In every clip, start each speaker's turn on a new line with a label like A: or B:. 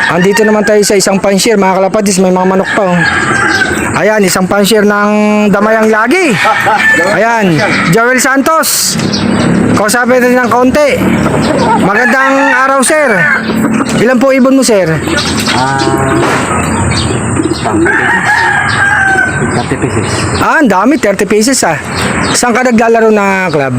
A: Andito naman tayo sa isang pansier, mga kalapatis, may mga manok pa. Oh. Ayan, isang pansier ng Damayang Lagi. Ayan, Joel Santos. Kausapin natin ng kaunti. Magandang araw, sir. Ilan po ibon mo, sir?
B: 30 pieces.
A: Ang dami, 30 pieces ah. Saan ka naglalaro na club?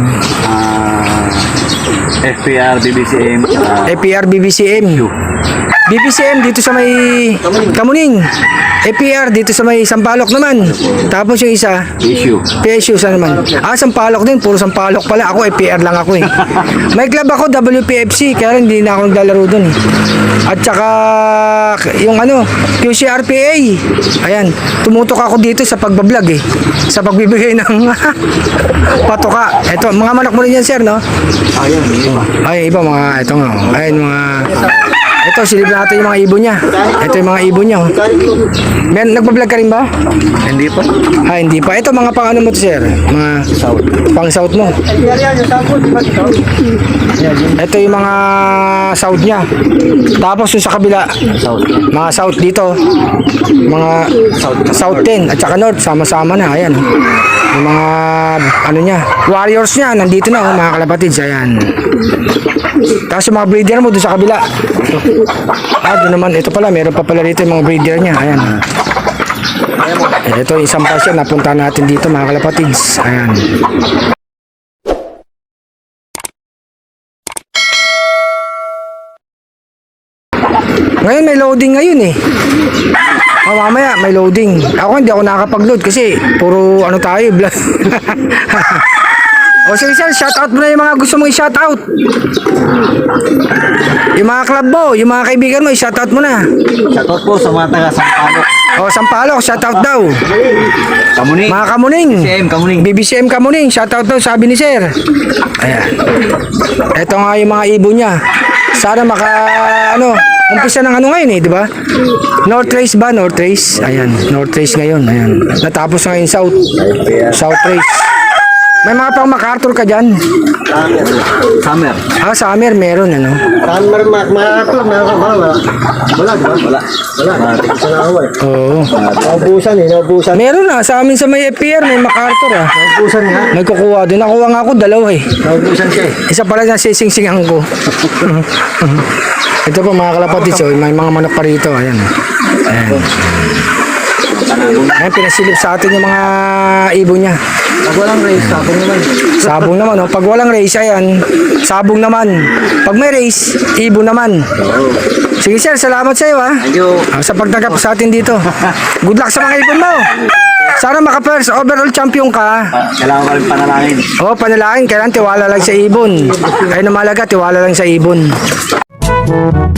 B: FPR, BBCM,
A: APR, BBCM. BBCM dito sa may Kamuning. APR dito sa may Sampaloc naman. Tapos yung isa,
B: issue.
A: PSU sa naman. Sampaloc din, puro Sampaloc pala. Ako APR lang ako eh. May club ako WPFC, kaya hindi na ako naglalaro doon eh. At saka yung ano, QCRPA. Ayan, tumutok ako dito sa pagbablog eh. Sa pagbibigay ng patoka. Ito, mga manok mo rin yan, sir, no?
B: Ayun, iba.
A: Ay, iba mga, ito nga. Ayun, mga... Ito, silip natin yung mga ibon niya. Ito yung mga ibon niya. Oh. Nagbablog ka rin ba?
B: Hindi pa.
A: Hindi pa. Ito, mga pang ano mo to, sir? Mga
B: South.
A: pang south mo. Ito yung mga south niya. Tapos yung sa kabila,
B: South.
A: mga south dito. Mga south din. At saka north, sama-sama na. Ayan. Oh. Yung mga, ano niya, warriors niya, nandito na, oh, mga kalapatids. Ayan. Tapos yung mga breeder mo doon sa kabila. Doon naman, ito pala, meron pa pala dito yung mga breeder niya. Ayan. Ito, isang pasyon, napunta natin dito, mga kalapatids. Ayan. Ngayon, may loading ngayon eh. Mamaya, may loading. Ako, hindi ako nakakapag-load kasi puro ano tayo, vlog. O sige sir, shoutout mo na yung mga gusto mong i-shoutout. Yung mga club mo, yung mga kaibigan mo, i-shoutout mo na.
B: Shoutout po sa mga taga Sampaloc.
A: Sampaloc, shoutout daw.
B: Kamuning.
A: Mga Kamuning.
B: BBCM, Kamuning.
A: BBCM Kamuning, shoutout daw, sabi ni sir. Ayan. Ito nga yung mga ibon niya. Sana umpisa ng ano ngayon eh, di ba? North Race ba? North Race? Ayan, North Race ngayon. Ayan. Natapos ngayon South. South Race. May mga pang MacArthur ka dyan?
B: Summer.
A: Summer meron ano?
C: Summer, MacArthur, wala. Wala, di ba?
B: Wala.
C: Sa naaway.
A: Oo.
C: Naubusan eh, naubusan.
A: Meron sa amin sa may FPR, may MacArthur ah.
C: Naubusan nga.
A: Nagkukuha din. Nakuha nga ako, dalawa eh.
C: Naubusan siya eh.
A: Isa pala na sising-singan ko. Ito po mga kalapatid, so, may mga manok pa rito. Ayan. Ayan. Ayan, pinasilip sa atin yung mga ibon niya.
C: Pag walang race, sabong naman.
A: Sabong naman, no? Pag walang race, ayan, sabong naman. Pag may race, ibon naman. Sige sir, salamat sa iyo ha.
B: Thank you.
A: Sa pagtanggap sa atin dito. Good luck sa mga ibon mo. Sana maka-first overall champion ka.
B: Kailangan ko rin panalangin.
A: Panalangin, kailangan tiwala lang sa ibon. Ayun ang mahalaga, tiwala lang sa ibon.